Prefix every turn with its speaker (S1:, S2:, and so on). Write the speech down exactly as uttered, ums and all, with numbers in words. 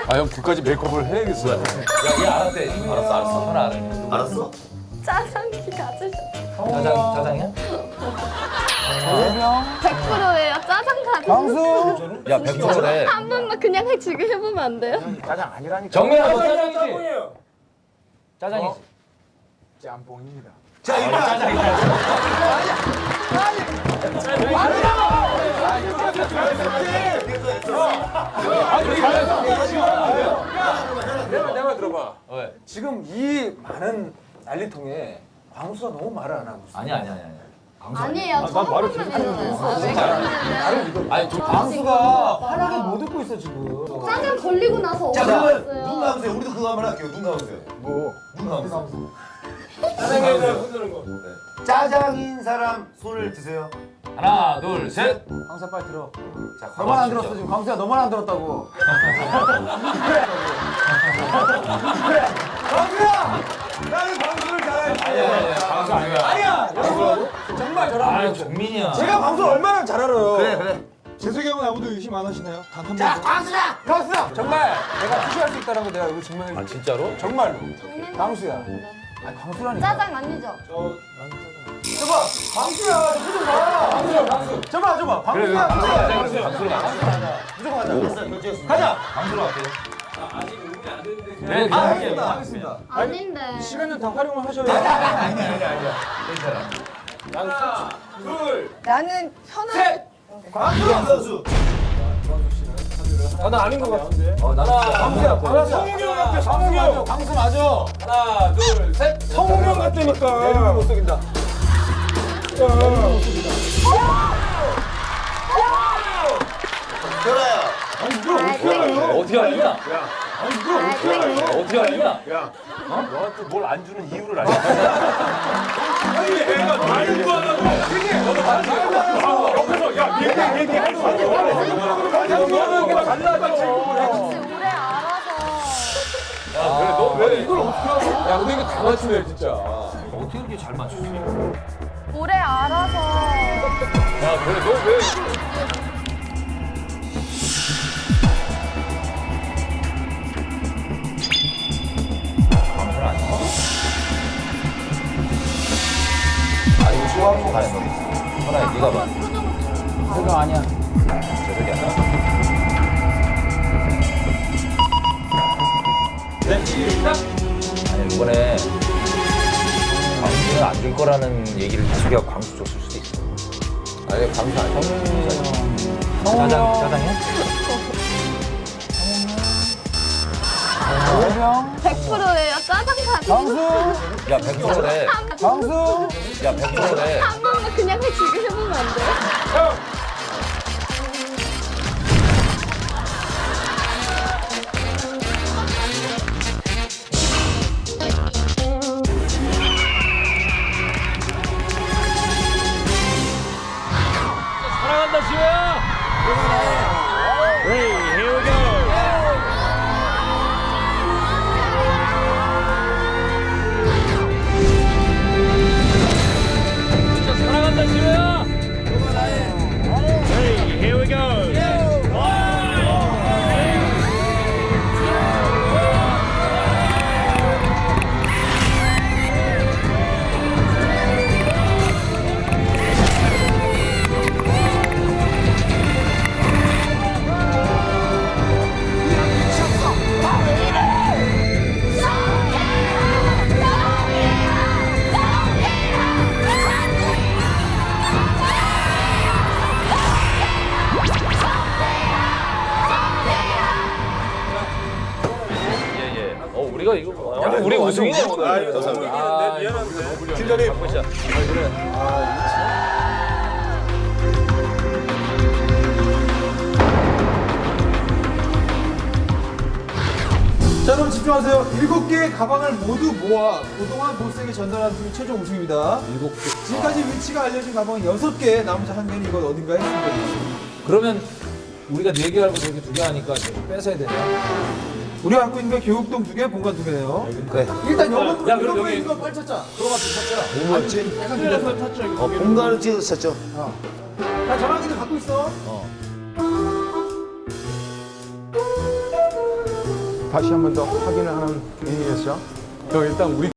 S1: 아 형 그까지 메이크업을 해야겠어요.
S2: 야얘 알았대. 알았어 알았어. 현 알았네.
S3: 알았어?
S4: 짜장기 가지셨.
S2: 짜장 짜장이야?
S4: 백 퍼센트예요. 짜장 가지셨.
S5: 광수.
S2: 야 백 퍼센트래.
S4: 한 번만 그냥 해 지금 해보면 안 돼요?
S5: 짜장 아니라니까.
S2: 정민아 너 짜장이지? 짜장이지.
S5: 짬뽕입니다.
S3: 자 일단
S2: 짜장이야.
S5: 내가 내가 들어봐.
S2: 왜?
S5: 지금 이 많은 난리통에 광수가 너무 말을 안 하고 있어.
S2: 아니야 아니야 아니야. 방송
S4: 아니에요. 처음 보는 애잖아요. 왜
S5: 나를 믿어.
S2: 아니 저
S5: 광수가 환하게 못 듣고 있어 지금.
S4: 짜장 걸리고 나서
S3: 자
S4: 어디
S3: 그러면
S4: 갔어요?
S3: 눈 감으세요. 우리도 그거 한번 할게요. 눈 감으세요.
S5: 뭐
S3: 눈 감으세요.
S5: 짜장에 흔드는 거.
S3: 짜장인 사람 손을 드세요.
S2: 하나 둘 셋.
S5: 광수야 빨리 들어.
S3: 자
S5: 너만 안
S2: 진짜.
S5: 들었어 지금. 광수야 너만 안 들었다고. 광수야! 나는 광수를 잘해.
S2: 아니야 아니야. 방송 아니야.
S5: 아니야 여러분 정말 저랑
S2: 아 정민이야.
S5: 제가 방송을 얼마나 잘 알아요.
S3: 그래 그래.
S6: 재석이 형은 아무도 의심 안 하시나요? 단 한
S5: 자
S6: 번도?
S5: 광수야! 광수야! 정말 내가 푸시할 수 있다는 거 내가 이거 증명해
S2: 아
S5: 줄게.
S2: 진짜로?
S5: 정말로.
S4: 장난
S5: 광수야.
S4: 아닙니다.
S5: 아니 광수라니까.
S4: 짜장 아니죠?
S5: 저봐 광수야 무슨 봐. 광수야 광수. 저봐 저봐
S2: 그래 그래.
S5: 광수야
S2: 방송
S5: 광수야.
S2: 가자. 방송으로 가자.
S5: 무조건 가자. 가자.
S2: 방송으로 갈게요. 네,
S5: 아,
S2: 네,
S5: 알겠습니다. 알겠습니다.
S4: 아닌데.
S6: 시간을 다 활용을 하셔야
S2: 아니야 아니야 아니야. 괜찮아.
S4: 나는 편한.
S3: 광수 선수.
S5: 아, 나 아닌 것 같은데.
S2: 어 나는
S5: 광수야 광수.
S6: 성웅이 형 같아, 성웅이 형.
S5: 광수 맞아.
S2: 하나 둘 셋.
S6: 성웅이 형 같다니까.
S5: 내눈을 못 속인다.
S3: 결아야.
S2: 어떻게 알냐?
S4: 아,
S2: 어떻게 알냐?
S1: 너한테 뭘 안 주는 이유를 알려.
S4: 역시 오래 알아서.
S2: 그래 너 왜? 이걸
S5: 야 근데 이거 다 맞추네 진짜.
S2: 어떻게 이렇게 잘 맞추지?
S4: 오래 알아서.
S2: 야 그래 너 왜? 방송 안 해?
S3: 아 이거 좋아하는 거 있어.
S2: 하나 네가 봐.
S5: 그거 아니야.
S2: 재석이 아니야. 아니 이번에 광수는 안 줄 거라는 얘기를 재석이가 광수 줬을 수도 있어.
S5: 아니 광수 아니야.
S2: 짜장 짜장이야?
S4: 백 퍼센트예요. 짜장 가지셨.
S5: 광수.
S2: 야 백 퍼센트래.
S5: 광수.
S2: 야 백 퍼센트래.
S4: 한 번만 그냥 해 지금 해보면 안 돼요?
S2: 사랑한다 지호야. 진짜 사랑한다 지호야. 예예. 어 우리가 이거 뭐- 야, 우리 우승이네 오늘.
S6: 아, 감사합니다. 네, 미안한데. 팀장님.
S2: 보자.
S6: 자, 여러분 집중하세요. 일곱 개의 가방을 모두 모아 그동안 보스에게 전달한 팀이 최종 우승입니다. 일곱 개. 지금까지 위치가 알려진 가방은 여섯 개, 나머지 한 개는 이건 어딘가에 숨겨있습니다.
S5: 그러면 우리가 네 개 알고 저기 두 개 하니까 좀 뺏어야 되냐?
S6: 우리가 갖고 있는 게 교육동 두 개, 본관 두 개네요.
S3: 그래.
S6: 일단 영어
S5: 야, 그럼
S6: 이런 거
S5: 여기-
S6: 이거 빨리 찾자.
S3: 뭐 맞지? 어 본관을 찍어서 쳤죠.
S6: 자, 전화기를 갖고 있어.
S2: 어.
S3: 다시 한 번 더 확인을 하는 의미에서 형 일단 우리